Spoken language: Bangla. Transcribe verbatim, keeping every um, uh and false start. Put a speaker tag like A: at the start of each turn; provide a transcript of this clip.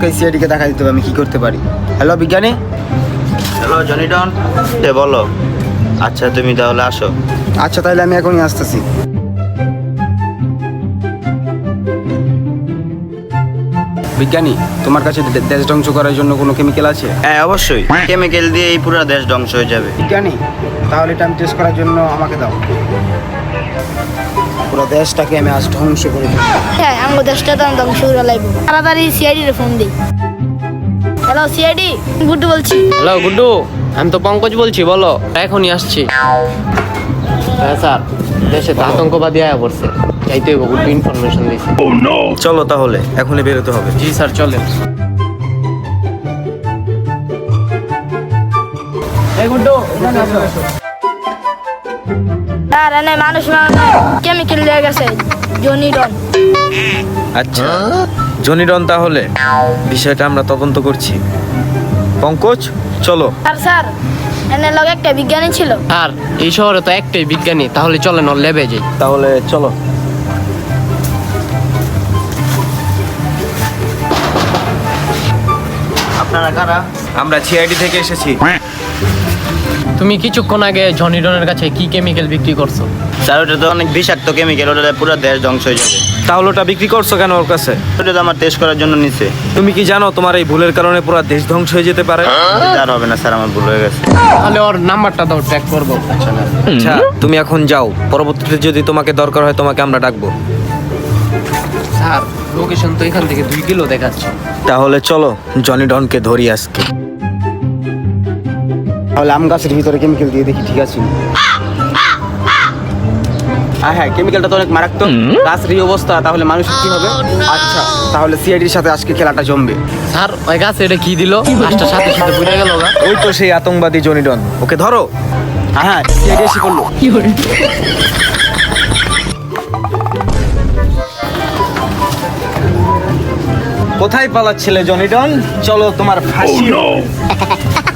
A: আমাকে সিআইডি কে দেখা দিতে হবে আমি কি করতে পারি। হ্যালো বিজ্ঞানী।
B: হ্যালো জনি ডন, এ বলো। আচ্ছা তুমি তাহলে আসো।
A: আচ্ছা তাহলে আমি এখনই আসতেছি। বিজ্ঞানী, তোমার কাছে দে- দেশ ধ্বংস করার জন্য কোনো কেমিক্যাল আছে?
B: হ্যাঁ অবশ্যই, কেমিক্যাল দিয়ে এই পুরো দেশ ধ্বংস হয়ে যাবে।
A: বিজ্ঞানী, তাহলে এটা আমি টেস্ট করার জন্য আমাকে দাও। পুরো দেশটাকে আমি আজ ধ্বংস করে দেবো।
C: হ্যাঁ আমার দেশটা তো আমি ধ্বংস করে লাগবো। তাড়াতাড়ি সিআইডি রে ফোন দিই। হ্যালো সিআইডি, গুড্ডু বলছি।
D: হ্যালো গুড্ডু, আমি তো পঙ্কজ বলছি, বলো। এখনই আসছি। হ্যাঁ স্যার, দেশে তো আতঙ্কবাদী আয়া পড়ছে, যাইতে হইব, গুড্ডু ইনফরমেশন দিয়েছে।
B: চলো তাহলে এখনই বেরোতে হবে।
D: জি স্যার চলেন। এই গুড্ডু, এখানে আসো।
C: আর এনে মানুষ কেমিক্যাল দিয়ে গেছে জনি ডন।
E: আচ্ছা জনি ডন, তাহলে বিষয়টা আমরা তদন্ত করছি। পঙ্কজ চলো।
C: আর স্যার এনে লগে একটা বিজ্ঞানী ছিল।
D: আর এই শহরে তো একটাই বিজ্ঞানী, তাহলে চলেন ওর ল্যাবে যাই।
E: তাহলে চলো।
B: আপনারা কারা?
E: আমরা সিআইডি থেকে এসেছি।
D: তুমি কিছুক্ষণ আগে জনি ডনের কাছে কি কেমিক্যাল বিক্রি করছো?
B: স্যার ওটা তো অনেক বিষাক্ত কেমিক্যাল, ওটা পুরো দেশ ধ্বংস হয়ে যাবে।
E: তাহলে ওটা বিক্রি করছো কেন ওর কাছে?
B: ওটা তো আমার টেস্ট করার জন্য নিছে।
E: তুমি কি জানো তোমার এই ভুলের কারণে পুরো দেশ ধ্বংস হয়ে যেতে পারে?
B: আর হবে না স্যার, আমার ভুল হয়ে গেছে।
D: তাহলে ওর নাম্বারটা দাও, ট্র্যাক করবো। আচ্ছা না,
E: আচ্ছা তুমি এখন যাও, পরবর্তীতে যদি তোমাকে দরকার হয় তোমাকে আমরা ডাকবো।
D: স্যার লোকেশন তো এখান থেকে দুই কিলো দেখাচ্ছে।
E: তাহলে চলো জনি ডনকে ধরি আজকে।
A: তাহলে আম গাছের ভিতরে কেমিক্যাল দিয়ে দেখি ঠিক আছে। হ্যাঁ হ্যাঁ, কেমিক্যালটা তো অনেক মারাত্মক। গাছের এই অবস্থা, তাহলে মানুষ কি হবে? আচ্ছা তাহলে সিআইডির সাথে আজকে খেলাটা জমবে।
D: স্যার ওই গাছে এটা কি দিল? গাছটা সাথে সাথে পুড়ে গেল গা।
E: ওই তো সেই আতঙ্কবাদী জনি ডন, ওকে ধরো।
A: হ্যাঁ হ্যাঁ, সিআইডি এসে করলো।
E: কোথায় পালাচ্ছিলে জনি ডন? চলো তোমার ফাঁসি।